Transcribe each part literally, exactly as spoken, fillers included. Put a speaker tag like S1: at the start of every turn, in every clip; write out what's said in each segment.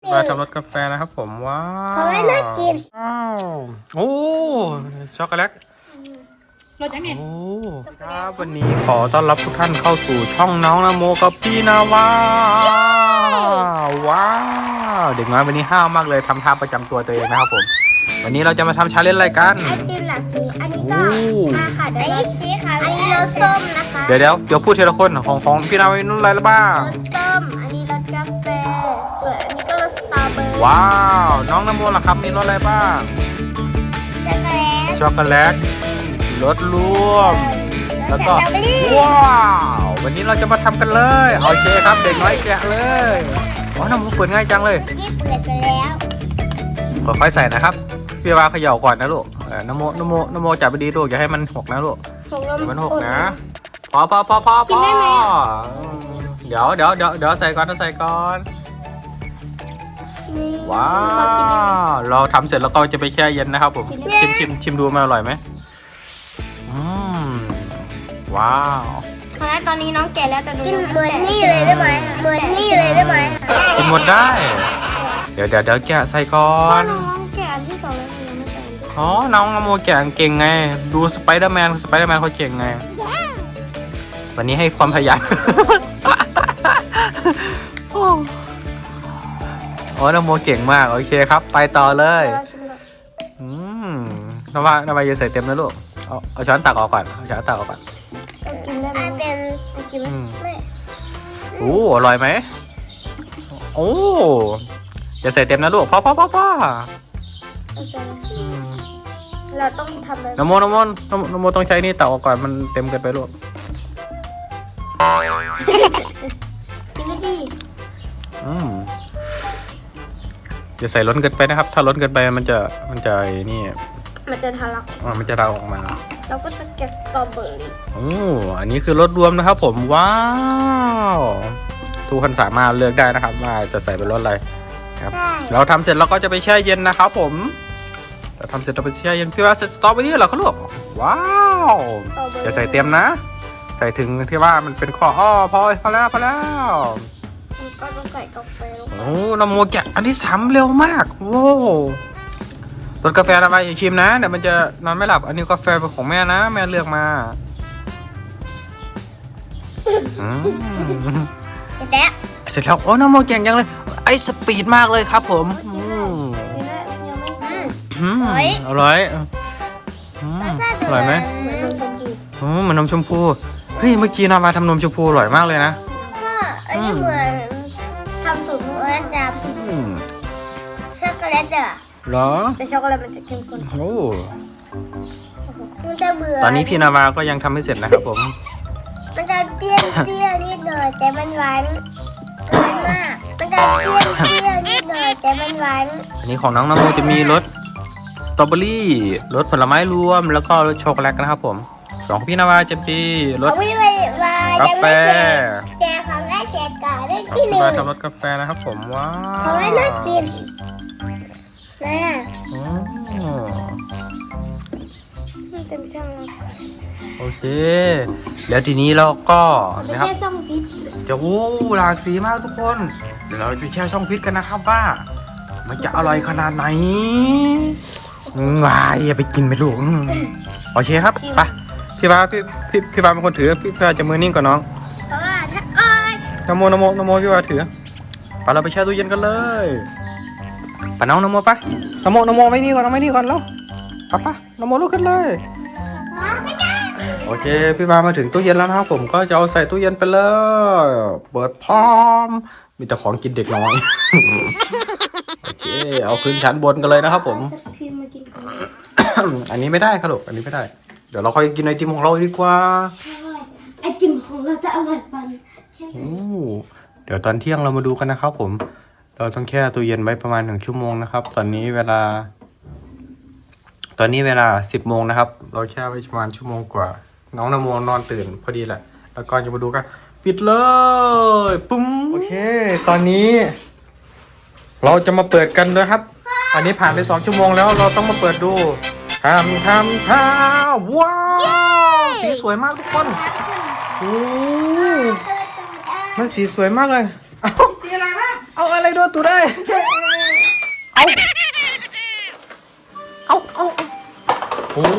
S1: มาทำรสกาแฟนะครับผมว้าว
S2: เขาให้น่ากิน
S1: ว้าวโอ้ช็อกโกแลต
S3: รสยังไง
S1: โอ้ครับวันนี้ขอต้อนรับทุกท่านเข้าสู่ช่องน้องนโมกับพี่นาวาว้าวเด็กน้อยวันนี้ห้าวมากเลยทำท่าประจำตัวตัวเองนะครับผมวันนี้เราจะมาทำชาเลนจ์อะไรกัน
S2: ไอติมหลากสีอันนี้ก็มาค่ะอันนี้สีขาวอันนี้รสส้มนะคะ
S1: เดี๋ยวเดี๋ยวเดี๋ยวพูดทีละคนของของพี่นาวานุ่นอะไรแล้วบ้าง
S2: รสส้มอันนี้รสกาแฟส่วนอันนี้ก็รสสตรอเบอร์รี่
S1: ว้าวน้องนโมล่ะครับมีรสอะไรบ้าง
S2: ช็อกโกแลต
S1: ช็อกโกแลตรสรวมแล้วก็ว้าววันนี้เราจะมาทำกันเลยโอเคครับเด็กน้อยแกะเลยอ๋อน้ำมันเปิดง่ายจังเลย
S2: ที่เปิดไปแล้ว
S1: ค่อยๆใส่นะครับพี่วาเขย่าก่อนนะลูกน้ำโมน้ำโมน้ำโมจับไปดีลูกอย่าให้มันหกนะลูกอย่ามันหกนะพอพอพอพอพอเดี๋ยวเดี๋ยวเดี๋ยวเดี๋ยวใส่ก่อนต้องใส่ก่อนว้าวเราทำเสร็จแล้วก็จะไปแช่เย็นนะครับผมชิมชิมชิมดูมันอร่อยไหมอืมว้าว
S2: ตอนแรกตอนนี้น้องแก่แล้วแต่ดูกินเหมือนนี่เลยได้ไหมเหมือนนี่เลยได้ไหม
S1: กินหมดได้เดี๋ยวเดี๋ยวเดี๋ยวแกะใส่ก่อน
S2: น้องแก่อันที่สองแล้วยังไม่ใส่
S1: อ๋อน้องนโมแกะเก่งไงดูสไปเดอร์แมนสไปเดอร์แมนเขาเก่งไงวันนี้ให้ความพยายามโอ้นโมเก่งมากโอเคครับไปต่อเลยอืมนว่านว่าอย่าใส่เต็มนะลูกเอาเอาช้อนตักออกก่อนเอาช้อนตักออกก่อน
S2: กินได้ไหมเป็นกินไม่
S1: โอ้อร่อยไหมโอ้อย่าใส่เต็มนะลูกพ่อพ่อพ่อพ่อ
S2: เราต้องทำแบบ
S1: นโมนโมนนโมต้องใช้นี่ตักออกก่อนมันเต็มเกินไปลูก
S2: กินได้ดี
S1: อืมอย่าใส่ล้นเกินไปนะครับถ้าล้นเกินไปมันจะมันจะนี่
S2: มันจะทะลัก
S1: อ่ามันจะเราออกมา
S2: เราก็จะแกะสตรอเบอร์รี่
S1: โอ้อันนี้คือรสรวมนะครับผมว้าวทุกคนสามารถเลือกได้นะครับว่าจะใส่เป็นรสอะไรครับเราทำเสร็จเราก็จะไปแช่เย็นนะครับผมเราทำเสร็จเราไปแช่เย็นพี่ว่าเสร็จสตรอเบอร์รี่เหรอเขาลูกว้าวอย่าใส่เต็มนะใส่ถึงที่ว่ามันเป็นข้ออ้อพอพอแล้วพอแล้ว
S2: ก็จะใส่กาแฟ
S1: โอ้น้ำโมแกะอันที่สามเร็วมากโอ้รสกาแฟอะไรอย่าชิมนะเดี๋ยวมันจะนอนไม่หลับอันนี้กาแฟเป็นของแม่นะแม่เลือกมา
S2: เสร็จแล้ว
S1: เสร็จแล้วโอ้น้ำโมเก่งจังเลยไอ้สปีดมากเลยครับผมอร่อยอร่อยไหมโอ้มันนมชมพูเฮ้ยเมื่อกี้นามาทำนมชมพูอร่อยมากเลยนะ
S2: ก็อันนี้เหมือนทำสูตรของอาจารย์ช็อกโกแลตอ่ะ
S1: หรอ
S2: แต่ช็อกโกแลตมันจะเข้มข้น
S1: โอ้
S2: มันจะเบื่อ
S1: ตอนนี้พี่นาวาก็ยังทำไม่เสร็จนะครับผม
S2: มันจะเปรี้ยวเปรี้ยวนิดหน่อยแต่มันหวานเกินมากมันจะเปรี้ยวเปรี้ยวนิดหน่อยแต่มันหวาน
S1: อันนี้ของน้องนโมจะมีรสสตรอเบอรี่รสผลไม้รวมแล้วก็รสช็อกโกแลตนะครับผมสองพี่นาวาจะมีรสกาแฟ
S2: แต่ของแม่เสียก่อนได้ที่หนึ่ง
S1: ทำรสกาแฟนะครับผมว้าว
S2: ของแม่น่ากินแม่เต็มช่อง
S1: โอเคแล้วทีนี้เราก็
S2: นะครับจะแช่ช่องฟิต
S1: จะโอ้หลากสีมากทุกคนเดี๋ยวเราจะแช่ช่องฟิตกันนะครับว่ามันจะอร่อยขนาดไหนว้ายอย่าไปกินไปลูกโอเคครับไปพี่วาพี่พี่พี่วาเป็นคนถือพี่วาจะมือนิ่งกว่าน้อง
S2: เพราะว่าถ้าอ้อย
S1: นโมนโมนโมพี่วาถือไปเราไปแช่ตู้เย็นกันเลยไปน้องนโมไปนโมนโมไม่นี่ก่อนไม่นี่ก่อนแล้วไปไปนโมลุกขึ้นเลยโอเคพี่วามาถึงตู้เย็นแล้วนะครับผมก็จะเอาใส่ตู้เย็นไปเลยเปิดพร้อมมีแต่ของกินเด็กน้อยโอเคเอาขึ้นชั้นบนกันเลยนะครับผมอันนี้ไม่ได้ครับลูกอันนี้ไม่ได้เดี๋ยวเราค่อยกินไอติมของเราดีกว่า
S2: ไอติมของเราจะอร่อยปัน
S1: โอ้เดี๋ยวตอนเที่ยงเรามาดูกันนะครับผมเราต้องแช่ตู้เย็นไว้ประมาณหนึ่งชั่วโมงนะครับตอนนี้เวลาตอนนี้เวลาสิบโมงนะครับเราแช่ไว้ประมาณชั่วโมงกว่าน้องนโมนอนตื่นพอดีแหละแล้วก็จะมาดูกันปิดเลยปุ้มโอเคตอนนี้เราจะมาเปิดกันนะครับ อันนี้ผ่านไปสองชั่วโมงแล้วเราต้องมาเปิดดูทำทำทำว้าวสีสวยมากทุกคนโอ้มันสีสวยมากเลย
S3: สีอะไรบ้าง
S1: เอาอะไรโดนตูได้เอาเอาเอาโอ้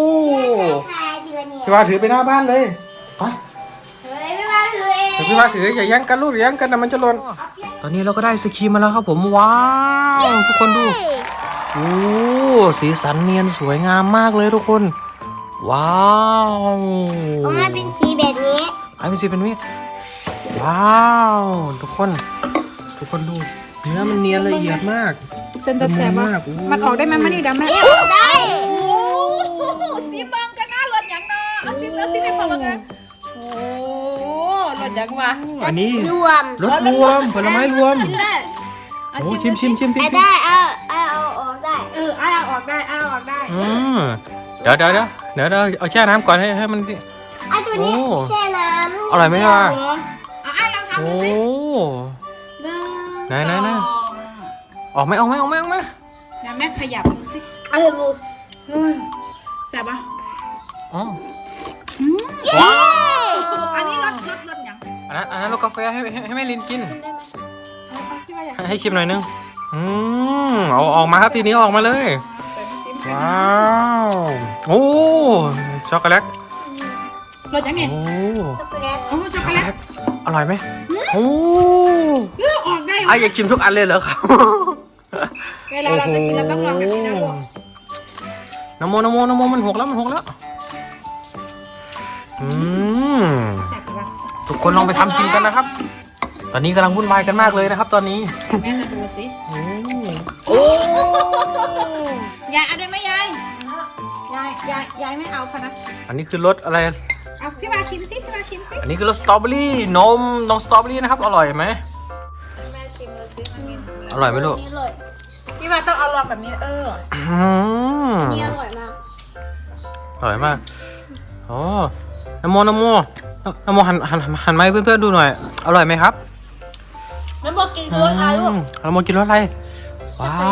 S1: พี่ว่าถือไปหน้าบ้านเลยไป
S2: เฮ้ยไม่ว่าถือเอง
S1: เดี๋ยวพี่ว่าถืออย่าแย่งกันลูกอย่าแย่งกันนะมันจะหล่นตอนนี้เราก็ได้ไอศครีมมาแล้วครับผมว้าวทุกคนดูโอ้สีสันเนียนสวยงามมากเลยทุกคนว้าว
S2: ออกมาเป็นสีแบบนี้
S1: ไอเป็นสีเป็นวิว้าวทุกคน ทุกคนดูเนื้อมันเนียนละเอียดมาก
S3: เซนจะแสบ
S1: ละมุน
S3: ว่ะ
S1: มากโอ้
S3: มันออกได้ไหมมันนี่ดำไหม
S2: เอ้ยได้
S3: โอ้ซีบังกันนะรถยังเนาะเอาซีเอาซีไปพอมากันโอ้รถยังวะ
S1: อันนี้
S2: รวม
S1: รสรวมผลไม้รวม
S3: ได้เอา
S1: โอ้
S3: ชิ
S1: ชิ
S3: ม
S1: มชิมชิมชิม
S2: ได้เอาเอาเอาออกได้
S3: เออเอาเอาออกได้เอาออกได้
S1: อืมเดี๋ยวเดี๋ยวเดี๋ยวเดี๋ยวเดี๋ยวเอาแช่น้ำก่อนให้ให้มัน
S2: ไอ้ตัวนี้
S1: โอ้
S2: แช่น้ำ
S1: อร่อยไหมล่ะ
S3: เอาไอ้ลองทำ
S1: โอ้
S3: ดูสิหนึ่ง
S1: ไหนไหนไหน
S3: สอง
S1: ออกไหมออกไหมออกไหมออกไหม
S3: เดี๋ยวแม่ขยับดูสิ
S2: เอาเลยบุก
S3: เฮ้ยแสบปะ
S1: อ๋อ
S3: อืม
S1: ว้าว
S3: อันนี้รสรสรสยัง
S1: อันนั้นอันนั้นรสกาแฟให้ให้ให้แม่ลินกิน
S3: เอาเอาที่ว่าอยาก
S1: ให้ให้ชิมหน่อยนึงอืมเอาออกมาครับทีนี้ออกมาเลย ว้าวโอ้ช็อกโกแลต
S3: รสยังเนี่ย
S1: โอ้
S2: ช็อกโกแลต
S3: โอ้ช็อก
S1: ช็
S3: โก
S1: อกโก
S3: แล
S1: แล
S3: ต
S1: ตอร่อยไหมโอ้
S3: เออออกได้
S1: อ่ะอยากชิมทุกอันเลยเหรอครับ
S3: เวลาเราจะกินเราต้องลองแบบนี้นะลูก
S1: น้ำโมน้ำโมน้ำโมมันหกแล้วมันหกแล้วอืม
S3: แสบปะ
S1: ทุกคนลองไปทำกินกันนะครับ ตอนนี้กำลังวุ่นวายกันมากเลยนะครับ ตอนนี้
S3: แม่จะดูสิ
S1: โอ้โอ้
S3: ยายเอาด้วยไหมยายยายยายยายไม่เอาค่ะนะ
S1: อันนี้คือรสอะไร
S3: เอาพี่มาชิมสิพี่มาชิมสิ
S1: อันนี้คือรสสตรอเบอรี่นมนมสตรอเบอรี่นะครับอร่อยไหม
S3: แม่ชิมเลยสิมันนี่
S1: อร่อยไหมลูก
S2: นี่อร่อย
S3: พี่มาต้องเอาลองแบบนี้เออ
S1: อืม
S2: นี่อร่อยมาก
S1: อร่อยมากอ๋อน้ำโมน้ำโมน้ำโมหันหันหันมาให้เพื่อนๆดูหน่อย อร่อยไหมครับ
S3: แม่บอกกินรสอะไรลูก
S1: น้ำโมกินรสอะไร ว้าว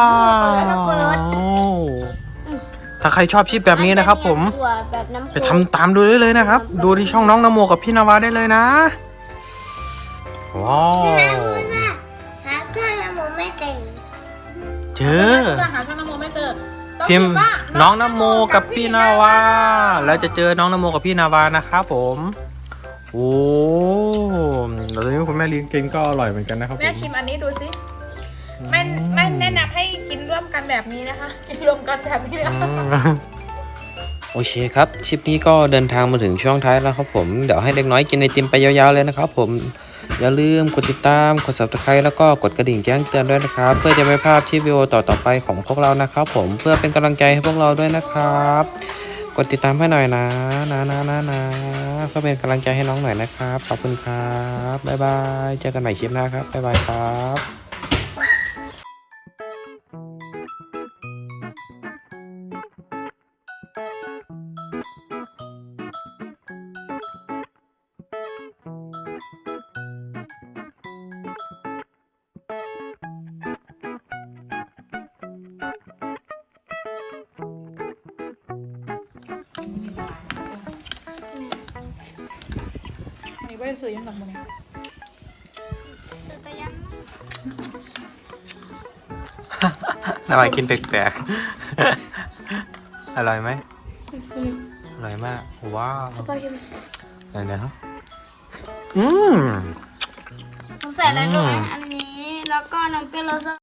S1: ถ้าใครชอบชิปแบบนี้นะครับผม
S2: ถั่วแบบน้ำ
S1: ไปทำตามดูได้เลยนะครับ ดูที่ช่องน้องนโมกับพี่นาวาได้เลยนะ ว้าว
S2: น้ำมันว่าหาเครื่องน้ำมันไม่เก่ง
S1: เจอ
S3: อาหารช่างน้ำโมไม่เจอต้อง
S1: พิมพ์
S3: ว่า
S1: น้องนโมกับพี่นาวา แล้วจะเจอน้องนโมกับพี่นาวานะครับผม โอ้แล้วตอนนี้คุณแม่เลี้ยงกินก็อร่อยเหมือนกันนะครับผ
S3: แม่
S1: ม
S3: ชิมอันนี้ดูสิไม่ไม่แนะนำให้กินร่วมกันแบบนี้นะคะ กินรวมกันแบบนี้นะ
S1: โอเคครับคลิปนี้ก็เดินทางมาถึงช่วงท้ายแล้วครับผมเดี๋ยวให้เด็กน้อยกินไอติมไปยาวๆเลยนะครับผมอย่าลืมกดติดตามกด ซับสไครบ์ แล้วก็กดกระดิ่งแจ้งเตือนด้วยนะครับเพื่อจะไม่พลาดคลิปวิดีโอต่อๆไปของพวกเรานะครับผมเพื่อเป็นกำลังใจให้พวกเราด้วยนะครับกดติดตามให้หน่อยนะนะนะนะนะเพื่อเป็นกำลังใจให้น้องหน่อยนะครับขอบคุณครับบ๊ายบายเจอกันใหม่คลิปหน้าครับบ๊ายบายครับ
S3: นี่ไม่ได้ซื้อยังหลังมัน
S1: นาวากินแปลกๆ อร่อยไหมอร่อยมากว้าวไหนๆครับอืม
S2: ใส่อะไรด้วยอันนี้แล้วก็น้ำเปรี้ยวรส